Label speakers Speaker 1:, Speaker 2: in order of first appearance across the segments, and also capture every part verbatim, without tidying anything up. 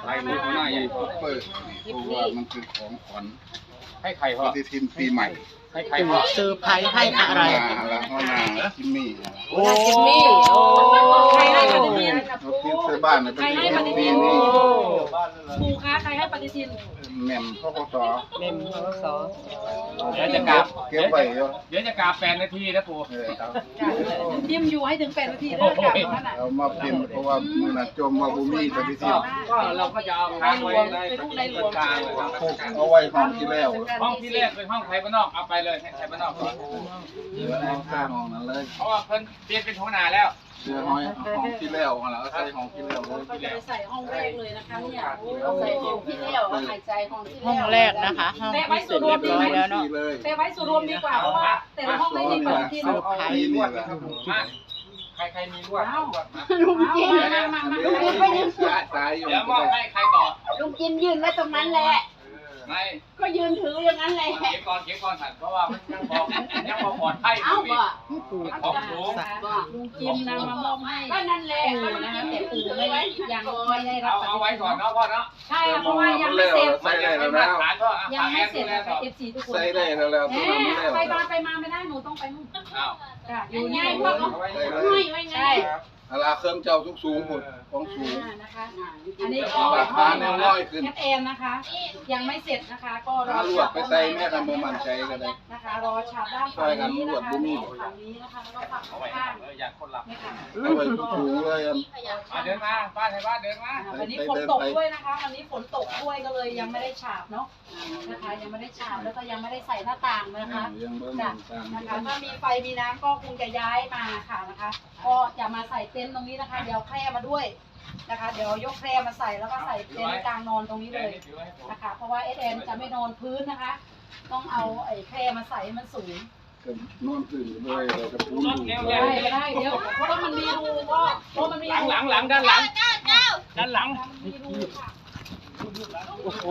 Speaker 1: ใครรู้หน้าใหญ่
Speaker 2: ซุปเปอร์เพราะว่ามันคือของขวัญ
Speaker 1: ให้ใคร
Speaker 2: ป
Speaker 1: พ่อ
Speaker 2: ฏิทินปีใหม่
Speaker 1: ให้ใครพ่อ
Speaker 3: เซอร์ไพรส์ให้อะไร
Speaker 2: แล้วก็นาจิมมี่
Speaker 3: โอ้จิมมี่โอ้
Speaker 4: ใครให้ปฏิทิน
Speaker 2: เราเตรียมใส่บ้านเลยเป็นปีนี้
Speaker 4: ครูคะใครให้ปฏิทิน
Speaker 2: แหม่มพ่อปส
Speaker 3: เมมพศ
Speaker 1: เดี๋ยวจะกราบ
Speaker 2: เก็บไว้เยอะ
Speaker 1: เดี๋ยวจะกราบแปดนาทีนะปู่
Speaker 2: เออครับ
Speaker 4: ยิ้มอยู่ให้ถึงแปดนาทีแล้วกลับนั่นน่ะ
Speaker 2: เอามาเป็นเพราะว่ามือน่ะจมว่าบุมีปฏิทิน
Speaker 1: ก็เราก็จะเอาค้างไว้ในกลางเลยครับ
Speaker 2: พกเอาไว้ห้องที่แล้ว
Speaker 1: ห้องที่แรกเป็นห้องไทยบ้านนอกเอาไปเลยให้ไทยบ้านนอกก่อน
Speaker 2: เหลือเอาข้างห้องนั้นเลย
Speaker 1: เพราะว่าเพิ่นเปลี่ยนเป็นหัวหน้าแล้ว
Speaker 2: เหลือห้อยห้องที่แล้วแล้วก็ใส่ห้องที่แล้วเลย
Speaker 4: ก็จะไปใส่ห้องแรกเลยนะคะเนี่ย
Speaker 5: ใส่ของที่เลี้ยวหายใจของที่
Speaker 3: ห้องแรกนะคะห้องที่เสร็จเรียบร้อยแล้วเนาะ
Speaker 2: เลย
Speaker 4: แต่ไว้ส่วนรวมดีกว่าเพราะว่าแต่ละห้องไม่มีปฏิทิน
Speaker 2: เอาเอาปีนี่แหละ
Speaker 1: มาใครใครมีลวด
Speaker 5: ลุงจิม
Speaker 4: มามามามา
Speaker 2: เดี๋ยวไปยืนสายอยู่
Speaker 1: เดี๋ยวมอบให้ใครต่อ
Speaker 5: ลุงจิมยืนไว้ตรงนั้นแหละ
Speaker 1: ไม่
Speaker 5: ก็ยืนถืออย่างนั้นแหละ
Speaker 1: เก็บก่อนเก็บก่อนสัตว์เพราะว่ามันยังพอยังพอปลอดภัย
Speaker 5: เอ้าบ่
Speaker 1: ของสูง
Speaker 4: ลุงจิมนำมามอบให้
Speaker 5: ก็นั่นแหละ
Speaker 4: ปู่นะคะแต่ปู่ไม่ได้ยังไม่ได้รั
Speaker 1: เอา
Speaker 4: บปฏิ
Speaker 1: เอาไว้
Speaker 4: ทิน
Speaker 1: ก่อนเนาะพ่อเนาะ
Speaker 4: ใช่เพราะว่ายังไม่เสร็จ
Speaker 2: ใส่ได้แล้ว
Speaker 1: มา
Speaker 2: แล้ว
Speaker 1: ฐานก็
Speaker 4: ยังไม่เสร็จนะคะเอฟซีทุกคน
Speaker 2: ใส่ได้แล้วแล้วตัว
Speaker 4: แห
Speaker 2: นั้น
Speaker 4: ม
Speaker 2: แล้ว
Speaker 4: ไปมาไปมาไม่ได้หนูต้องไปนู่น
Speaker 1: อ้าว
Speaker 4: จ้ะอยู่นี่
Speaker 5: พวก
Speaker 1: เอาไว้เลย
Speaker 5: ห้อยไว้ไง
Speaker 4: ใช่
Speaker 2: อาลาเครื่องเจ้าทุกสูงหมดของสูง
Speaker 4: อ่านะคะ อันนี้ก็
Speaker 2: ราคาแนวร้อยขึ้น
Speaker 4: แอดแอนนะคะ ยังไม่เสร็จนะคะ ก็รอ
Speaker 2: ถ้าลวดไปใส่แม่ทำบ่มั่นใจก็ได้
Speaker 4: นะคะ รอฉาบด้านฝั่งนี้นะคะฝั่งนี้นะคะแล้วก็ฝั่ง
Speaker 1: เอาไว้
Speaker 4: ข้าง
Speaker 1: เอออยากคนหลับ
Speaker 4: นี่ค่ะ
Speaker 2: เอาไว้สูงเลยอัน
Speaker 1: มาเดินมาป้าไทยบ้านเดินมา
Speaker 4: วันนี้ฝนตกด้วยนะคะ วันนี้ฝนตกด้วยก็เลยยังไม่ได้ฉาบเนาะนะคะ ยังไม่ได้ฉาบแล้วก็ยังไม่ได้ใส่หน้าต่างนะคะ
Speaker 2: ยังบ่
Speaker 4: จ้ะ
Speaker 2: มั่นใจ
Speaker 4: นะคะถ้ามีไฟมีน้ำก็คงจะย้ายมาค่ะนะคะ ก็จะมาใส่เต็นท์ตรงนี้นะคะ เดี๋ยวแคร่มาด้วยนะคะ เดี๋ยวยกแคร่มาใส่แล้วก็ใส่เต็นท์กลางนอนตรงนี้เลยนะคะ เพราะว่าเอสเอ็นจะไม่นอนพื้นนะคะ ต้องเอาไอ้แคร่มาใส่ให้มันสูง
Speaker 2: ก็นอนตื่นด้วยเราจะพูดอยู่
Speaker 4: ได้ไม่ได้เดี๋ยวเพราะว่ามันมีรูก็เพราะมันมี
Speaker 1: หลัง
Speaker 4: รู
Speaker 1: หลังหลังด้านหลังด้านหลัง
Speaker 4: มันมีรูค่ะ
Speaker 3: โอ้โห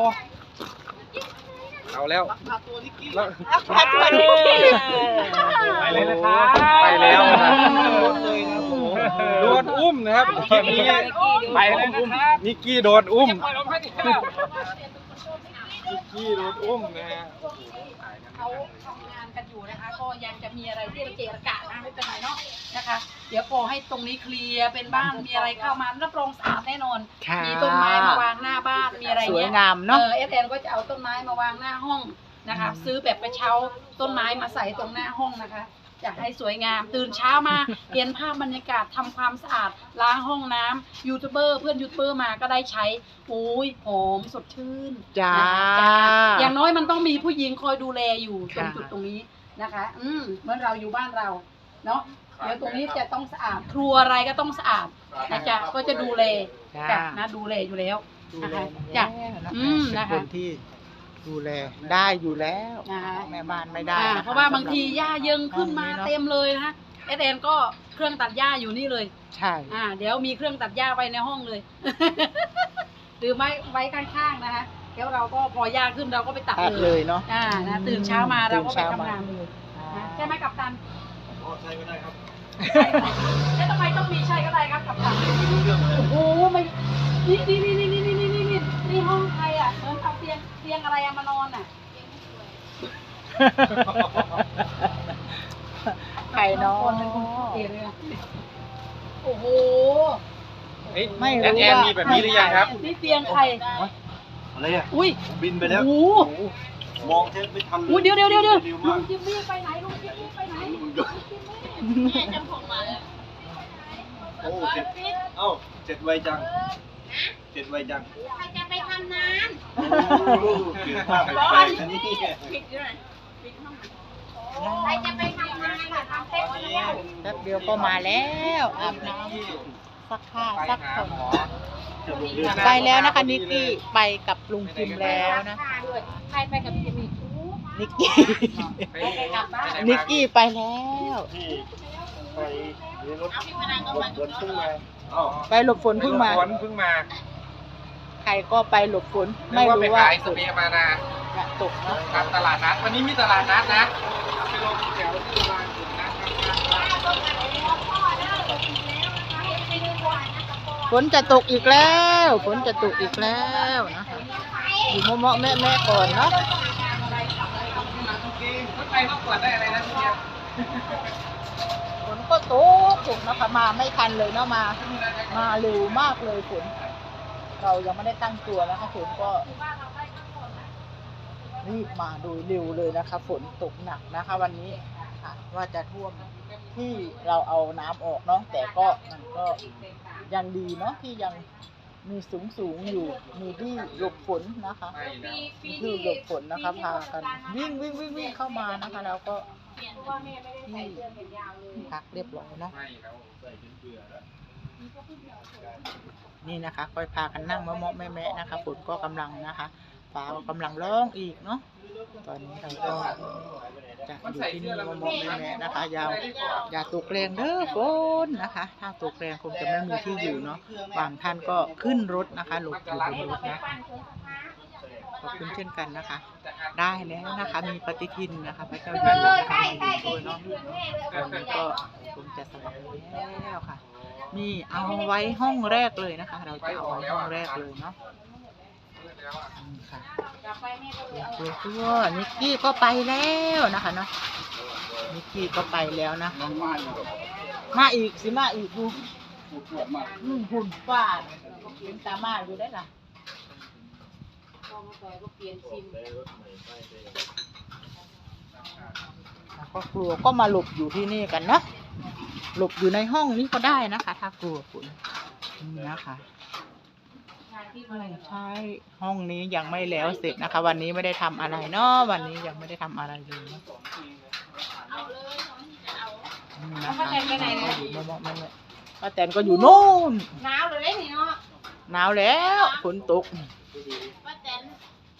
Speaker 1: เอาแล้ว
Speaker 3: เอาตัวนี้
Speaker 1: ไปเลยนะครับ
Speaker 6: ไปแล้ว
Speaker 1: นะ
Speaker 6: โดนอุ้มนะครับคลิปนี้
Speaker 1: ไปเลยนะครับ
Speaker 6: นิกกี้โดนอุ้ม
Speaker 1: ปล่อยลมให้ดิครับ
Speaker 6: นิกกี้โดนอุ้มนะฮะ
Speaker 4: เขาทำงานกันอยู่นะคะ ก็ยังจะมีอะไรที่เกะระกะนะไม่เป็นไรเนาะนะคะ เดี๋ยวพอให้ตรงนี้เคลียร์เป็นบ้านมีอะไรเข้ามารับรองสะอาดแน่นอน
Speaker 3: ค่ะ
Speaker 4: มีต้นไม้มาวางหน้าบ้านมีอะไร
Speaker 3: สวย
Speaker 4: เงี้ย
Speaker 3: งามเนาะ
Speaker 4: เออเอสแอนก็จะเอาต้นไม้มาวางหน้าห้องนะคะ ซื้อแบบกระเช้าต้นไม้มาใส่ตรงหน้าห้องนะคะจะให้สวยงามตื่นเช้ามาเห็นภาพบรรยากาศทำความสะอาดล้างห้องน้ำยูทูบเบอร์เพื่อนยูทูบเบอร์มาก็ได้ใช้โอ้ยหอมสดชื่น
Speaker 3: จ้า
Speaker 4: นะคะจ้าอย่างน้อยมันต้องมีผู้หญิงคอยดูแลอยู่ตรง
Speaker 3: ค่ะ
Speaker 4: จุดตรงนี้นะคะ อืมเหมื่อนเราอยู่บ้านเราเนาะเดี๋ยวตรงนี้จะต้องสะอาดครัวอะไรก็ต้องสะอาดนะจ๊ะก็จะดูแล
Speaker 3: จ้า
Speaker 4: จ้ะนะดูแลอยู่แล้ว
Speaker 3: ดู
Speaker 4: นะ
Speaker 3: แล
Speaker 4: คะ
Speaker 3: จ้ะ
Speaker 4: จ้ะ อืม
Speaker 3: เป็น
Speaker 4: นะคะ
Speaker 3: คนที่ดูแลได้อยู่แล้ว
Speaker 4: นะคะ
Speaker 3: แม่บ้านไม่ได้
Speaker 4: อ่า
Speaker 3: นะคะ
Speaker 4: เพราะว่าบางทีหญ้าเยิงขึ้นมา
Speaker 3: ห้องนี้เนอะ
Speaker 4: เต็มเลยนะเอสเอ็นก็เครื่องตัดหญ้าอยู่นี่เลย
Speaker 3: ใช่
Speaker 4: อ่า เดี๋ยวมีเครื่องตัดหญ้าไว้ในห้องเลย หรือไม่ไว้ข้างๆนะคะแล้วเราก็พอหญ้าขึ้นเราก็ไปตัด
Speaker 3: ตัด
Speaker 4: เล
Speaker 3: เลย ยเนาะ
Speaker 4: อ่านะตื่นเช้ามาเราก็ไป
Speaker 3: ตื่นเช้ามา
Speaker 4: ทำงานเลยนะใช่ไหมกัปตัน
Speaker 6: ใช่ก็ได้ครับ
Speaker 4: แล้วทำไมต้องมีใช่ก็ได้ครับกัปตันโอ้โหไม่นี่นี่นี่นี่นี่นี่นี่นี่นี่ห้องใครอ่ะเหมือนเอาเตียงเตียงอะไรอะมานอนอ่ะ
Speaker 3: ไข่เนาะ
Speaker 4: คนเป็นคนเอเลยอะโอ้โห
Speaker 6: เอ๊ะ
Speaker 3: ไม่รู้
Speaker 6: แอนแอนมีแบบนี้หรือยังครับ
Speaker 4: นี่เตียงใคร
Speaker 6: อะไรอ่ะ
Speaker 4: อุ้ย
Speaker 6: บินไปแล้ว
Speaker 4: โอ้โห
Speaker 6: มองแทบไม่ทันเลย
Speaker 4: อุ้ยเดี๋ยวเดี๋ยวเดี๋ยวเดี๋ยว
Speaker 6: ร็ว
Speaker 4: ลุ
Speaker 6: มาก
Speaker 4: งจิมมี่ไปไหนลุงจิมมี่ไปไหนลุงจิมมี่
Speaker 5: แม่จำผมมาแล้ว
Speaker 6: โอ้เจ็ดเอ้าเจ็ดไวจังเจ็ดไวจัง
Speaker 5: ใครจะไปทำงาน
Speaker 6: โอ้เปลี่ยนภาพไปไกลนะนี่
Speaker 5: ปิดด้วยปิดห้องใครจะไปทำงานค่ะทำเต็มแล้ว
Speaker 3: แป๊บเดียวก็มาแล้วอาบน้ำซักผ้าซักผมไปแล้วนะคะนิกกี้ไปกับลุงจิมแล้วนะ
Speaker 5: ด้วยใครไปกับจิมมี่
Speaker 3: นิกกี้
Speaker 4: กลับบ้าน
Speaker 3: นิกกี้ไปแล้ว
Speaker 6: ที่ไปรถ
Speaker 5: เอาพี่พนังก็
Speaker 6: ร
Speaker 5: มา
Speaker 6: ถรถขึ้นมาอ้าว
Speaker 3: ไปหลบฝนเพิ่งมา
Speaker 6: ฝนเพิ่งมา
Speaker 3: ใครก็ไปหลบฝนไม่รู้ว่า
Speaker 1: ไอสเปียมานา
Speaker 3: จะตกเนาะ
Speaker 1: ตามตลาดนัดวันนี้มีตลาดนัดนะไปลงแถวที่โรงพยาบาลถึงนะ
Speaker 5: พ่อเด้อลงอีกแล้วนะคะไปดูก่อนนะกระปอ
Speaker 3: ฝนจะตกอีกแล้วฝนจะตกอีกแล้วนะคะอยู่เมาะๆแม่ๆก่อนเนาะ
Speaker 1: รถไฟต้องตรวจได้อะไรนะพี่เนี่ย
Speaker 3: ฝนก็ตกตกนะคะมาไม่ทันเลยเนาะมามาเร็วมากเลยฝนเรายังไม่ได้ตั้งตัวนะคะฝนก็รีบมาโดยเร็วเลยนะคะฝนตกหนักนะคะ วันนี้ค่ะว่าจะท่วมที่เราเอาน้ำออกเนาะแต่ก็มันก็ยังดีเนาะที่ยังมีสูงสูงอยู่มีที่หลบฝนนะคะมีที่หลบฝนนะคะพากันวิ่งวิ่งวิ่งวิ่งเข้ามานะคะแล้วก็ที่พักเรียบร้อยเนาะ
Speaker 1: ไม่แล้ว
Speaker 3: นี่นะคะค่อยพากันนั่งเมาะๆแม่ๆนะคะฝนก็กำลังนะคะฟ้าก็กำลังร้องอีกเนาะตอนนี้เราก็จะอยู่ที่นี่เมาะๆแม่ๆนะคะยาวอย่าตกแรงเด้อฝนนะคะ ถ้าตกแรงคงจะไม่มีที่อยู่เนาะบางท่านก็ขึ้นรถนะคะหลบอยู่บนรถนะคะขอบคุณเช่นกันนะคะ ได้แล้วนะคะมีปฏิทินนะคะพระเจ้าอยู่หัวนะคะมาอยู่ด้วยเนาะวันนี้ก็คงจะสบายแล้วค่ะนี่เอาไว้ห้องแรกเลยนะคะ เราจะเอาไว้ห้องแรกเลยเนาะนี่ค่ะตัวตัวนิกกี้ก็ไปแล้วนะคะเนาะนิกกี้ก็ไปแล้วนะ
Speaker 2: น้องมาอยู่กับ
Speaker 3: มาอีกสิมาอีกดู
Speaker 2: ผู้ตรวจมา
Speaker 3: อืมหุ่นฟาดเป็นตามาอยู่ได้ล่ะแล้วก็กลัวก็มาหลบอยู่ที่นี่กันเนาะหลบอยู่ในห้องนี้ก็ได้นะคะ ถ้ากลัวฝนนี่นะคะใช่ห้องนี้ยังไม่แล้วเสร็จนะคะ วันนี้ไม่ได้ทำอะไรเนาะวันนี้ยังไม่ได้ทำอะไรเลยเนาะนี่นะคะอยู่มองๆนั่นแหละป้าแตนก็อยู่นู่น
Speaker 5: หนาวเลยนี่เนาะ
Speaker 3: หนาวแล้วฝนตก
Speaker 5: ป้าแตน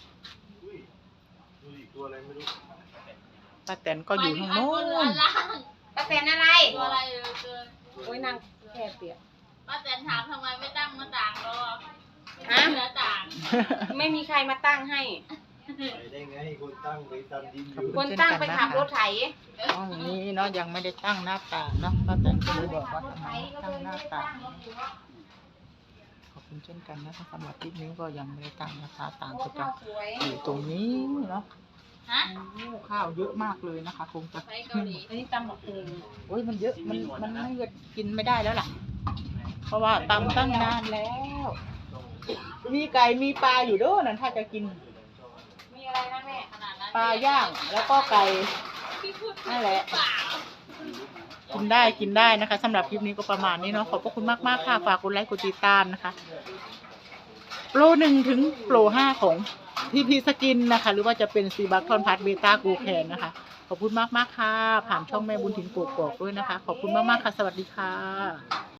Speaker 3: ป้าแตนก็อยู่ทางโน้น
Speaker 5: ป้าแตนอะไร
Speaker 7: ตัวอะไรเออเกิน
Speaker 5: โอ้ยนางแค่เปียก
Speaker 7: ป้าแตนถามทำไมไม่ตั้งหน้าต่างรอ
Speaker 5: ฮะ
Speaker 7: หน้าต่าง
Speaker 5: ไม่มีใครมาตั้งให้
Speaker 6: ไปได้ไงคนตั้งไปตันดินอ
Speaker 3: ขอบ
Speaker 6: ยู่
Speaker 3: คุ
Speaker 5: ค
Speaker 3: ณ
Speaker 5: น
Speaker 3: เช่น
Speaker 5: ตั้ง
Speaker 3: กัน
Speaker 5: ไป
Speaker 3: นะ
Speaker 5: ขับ
Speaker 3: คะ
Speaker 5: รถไถ
Speaker 3: ห้องนี้เนาะยังไม่ได้ตั้งหน้าต่างเนาะป้าแตนก็เลยบอกว่าทำไมไม่ตั้งหน้าต่างขอบคุณเช่นกันนะคะสำหรับคลิปนี้ก็ยังไม่ได้ตั้งนะคะต่างก็จะอยู่ตรงนี้เนาะ
Speaker 7: ฮะ
Speaker 3: โอ้ข้าวเยอะมากเลยนะคะ คงจะ
Speaker 7: ไปเกาหลี
Speaker 5: อันนี้ตำบักหุ่ง
Speaker 3: โอ้ยมันเยอะมันมันไม่กินไม่ได้แล้วล่ะ เพราะว่าตำตั้งนานแล้ว มีไก่มีปลาอยู่ด้วยนั่นถ้าจะกิน
Speaker 5: มีอะไรนะแม่
Speaker 7: ขนาดนั้น
Speaker 3: ปลาย่างแล้วก็ไก่นั่นแหละ
Speaker 7: เปล่า
Speaker 3: กินได้กินได้นะคะสำหรับคลิปนี้ก็ประมาณนี้เนาะขอบพระคุณมากมากๆค่ะฝากกดไลค์กดติดตามนะคะโปรหนึ่งถึงโปรห้าของพีพีสกินนะคะ หรือว่าจะเป็นซีบัคทอนพัทเบต้ากูแคนนะคะขอบคุณมากมากๆค่ะผ่านช่องแม่บุญถิ่นกกอกด้วยนะคะ ขอบคุณมากมากๆค่ะสวัสดีค่ะ